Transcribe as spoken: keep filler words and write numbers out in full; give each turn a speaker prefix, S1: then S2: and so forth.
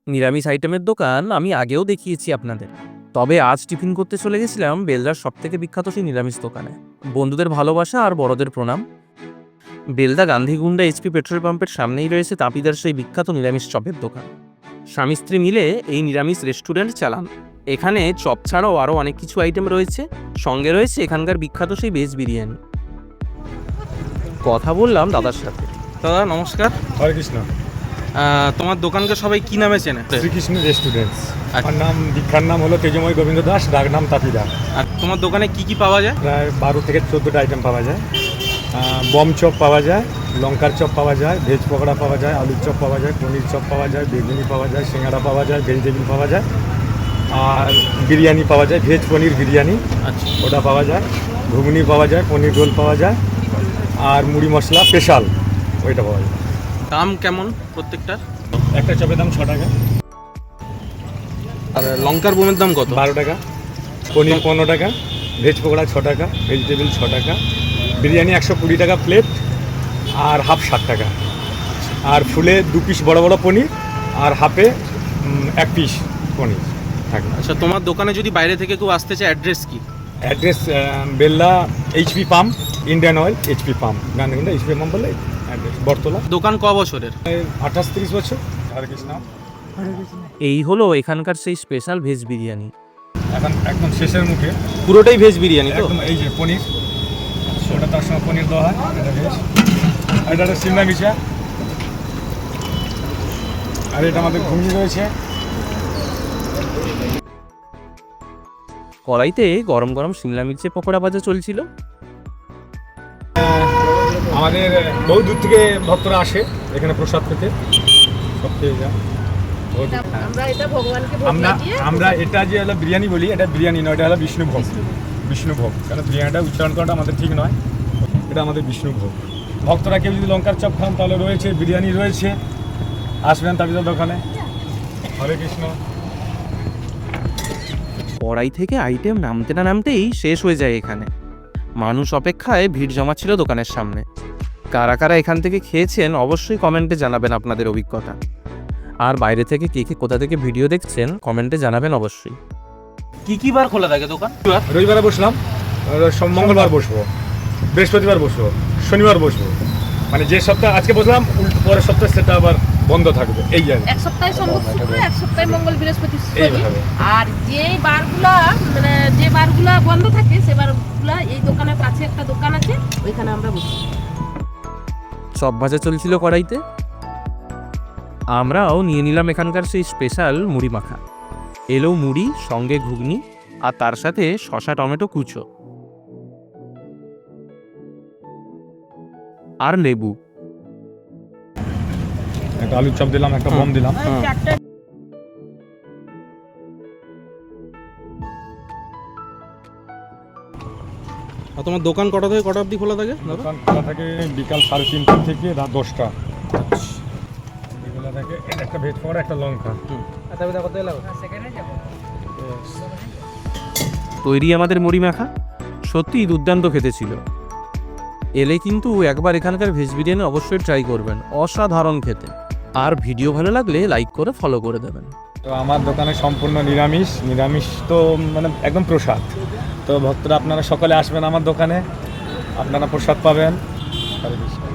S1: নিরামিষ আইটেমের দোকান আমি আগেও দেখিয়েছি আপনাদের, তবে আজ টিফিন করতে চলে গেছিলাম বেলদার সবথেকে বিখ্যাত সেই নিরামিষ দোকানে। বন্ধুদের ভালোবাসা আর বড়দের প্রণাম। বেলদা গান্ধীগুন্ডা এইচপি পেট্রোল পাম্পের সামনেই রয়েছে তাপিদার সেই বিখ্যাত নিরামিষ চপের দোকান। স্বামী স্ত্রী মিলে এই নিরামিষ রেস্টুরেন্ট চালান। এখানে চপ ছাড়াও আরও অনেক কিছু আইটেম রয়েছে, সঙ্গে রয়েছে এখানকার বিখ্যাত সেই ভেজ বিরিয়ানি। কথা বললাম দাদার সাথে।
S2: দাদা নমস্কার।
S3: হরে কৃষ্ণ।
S2: আহ, তোমার দোকানকে সবাই কি নামে চেনে?
S3: শ্রীকৃষ্ণ রেস্টুরেন্টস।
S2: আচ্ছা।
S3: আমার নাম, দীক্ষার নাম হলো তেজময় গোবিন্দ দাস, ডাক নাম তাপিদা।
S2: আর তোমার দোকানে কি কি পাওয়া যায়?
S3: প্রায় বারো থেকে চোদ্দোটা আইটেম পাওয়া যায়। বম চপ পাওয়া যায়, লঙ্কার চপ পাওয়া যায়, ভেজ পকোড়া পাওয়া যায়, আলুর চপ পাওয়া যায়, পনির চপ পাওয়া যায়, বেগুনি পাওয়া যায়, সিঙ্গাড়া পাওয়া যায়, ভেজিটেবিল পাওয়া যায়, আর বিরিয়ানি পাওয়া যায়, ভেজ পনির বিরিয়ানি
S2: আচ্ছা।
S3: ওটা পাওয়া যায়, ঘুগনি পাওয়া যায়, পনির রোল পাওয়া যায়, আর মুড়ি মশলা স্পেশাল ওইটা পাওয়া যায়।
S2: দাম কেমন প্রত্যেকটার?
S3: একটা চপের দাম ছ টাকা।
S2: আর লঙ্কার বোমের দাম কত?
S3: বারো টাকা। পনির পনেরো টাকা, ভেজ পকোড়া ছ টাকা, ভেজিটেবিল ছ টাকা, বিরিয়ানি একশো কুড়ি টাকা প্লেট, আর হাফ ষাট টাকা। আর ফুলে দু পিস বড় বড় পনির, আর হাফে উম, এক পিস পনির থাকে।
S2: আচ্ছা, তোমার দোকানে যদি বাইরে থেকে কেউ আসতে চায় অ্যাড্রেস কি?
S3: Address Bella HP pump, Indian oil HP pump, Gandhigunda HP pump বলে অ্যাড্রেস। বটতলা।
S2: দোকান ক বছরের?
S3: আঠাশ তিরিশ বছর। হরে কৃষ্ণ।
S1: এই হলো এখানকার সেই স্পেশাল ভেজ বিরিয়ানি।
S3: এখন একদম শেষের মুখে
S2: পুরোটাই ভেজ বিরিয়ানি তো?
S3: একদম এই যে পনির, ওটা তার সঙ্গে পনির দেওয়া হয়, এটা ভেজ। আর এটা একটা সিমলা মিশা, আর এটা আমাদের ঘুগনি রয়েছে।
S1: কড়াইতে গরম গরম শিমলা মির্চের পকোড়া ভাজা চলছিল।
S3: আমাদের বহু দূর থেকে ভক্তরা আসে এখানে প্রসাদ পেতে, সব পেয়ে যায়।
S4: আমরা এটা ভগবানকে ভোগ
S3: আমরা
S4: লাগিয়ে
S3: আমরা এটা যে হলো বিরিয়ানি বলি, এটা বিরিয়ানি নয়, এটা হলো বিষ্ণু ভোগ। বিষ্ণু ভোগ, কারণ বিরিয়ানিটা উচ্চারণ করাটা আমাদের ঠিক নয়, এটা আমাদের বিষ্ণু ভোগ। ভক্তরা কেউ যদি লঙ্কার চপ খান তাহলে রয়েছে, বিরিয়ানি রয়েছে, আসবেন তাবিদার দোকানে। হরে কৃষ্ণ।
S1: কড়াই থেকে আইটেম নামতে না নামতেই শেষ হয়ে যায় এখানে। মানুষ অপেক্ষায় ভিড় জমাচ্ছিল দোকানের সামনে। কারা কারা এখান থেকে খেয়েছেন অবশ্যই কমেন্টে জানাবেন আপনাদের অভিজ্ঞতা। আর বাইরে থেকে কে কে কোথা থেকে ভিডিও দেখছেন কমেন্টে জানাবেন অবশ্যই।
S2: কি কি বার খোলা থাকে দোকান?
S3: রবিবারে বসলাম, সব মঙ্গলবার বসবো, বৃহস্পতিবার বসবো, শনিবার বসবো, মানে যে সপ্তাহ আজকে বসলাম উল্টো পরের সপ্তাহে সেটা আবার বন্ধ থাকবে, এই আর কি।
S4: এক সপ্তাহে সম্ভব শুক্র, এক সপ্তাহে মঙ্গল, বৃহস্পতি, শনি।
S3: এইভাবে।
S4: আর যে বারগুলা মানে যে বারগুলা বন্ধ থাকে সে বারগুলা এই দোকানের কাছে একটা দোকান আছে, ওইখানে আমরা বসি।
S1: চপ ভাজা চলছিল কড়াইতে। আমরাও নিয়ে নিলাম এখানকার সেই স্পেশাল মুড়ি মাখা। এলো মুড়ি, সঙ্গে ঘুগনি, আর তার সাথে শসা টমেটো কুচো আর লেবু।
S3: একটা আলুর চপ দিলাম, একটা বম দিলাম।
S2: আর তোমার দোকান কটা থেকে কটা অবধি খোলা থাকে?
S3: দোকান খোলা থাকে বিকাল সাড়ে তিনটা থেকে রাত দশটা। এগুলো থাকে, এটা একটা ভেজ পকোড়া, একটা লঙ্কা।
S1: তৈরি আমাদের মুড়ি মাখা, সত্যিই দুর্দান্ত খেতে ছিল। এলে কিন্তু একবার এখানকার ভেজ বিরিয়ানি অবশ্যই ট্রাই করবেন, অসাধারণ খেতে। আর ভিডিও ভালো লাগলে লাইক করে ফলো করে দেবেন।
S3: তো আমার দোকানে সম্পূর্ণ নিরামিষ। নিরামিষ তো মানে একদম প্রসাদ। তো ভক্তরা আপনারা সকলে আসবেন আমার দোকানে, আপনারা প্রসাদ পাবেন। হরে কৃষ্ণ।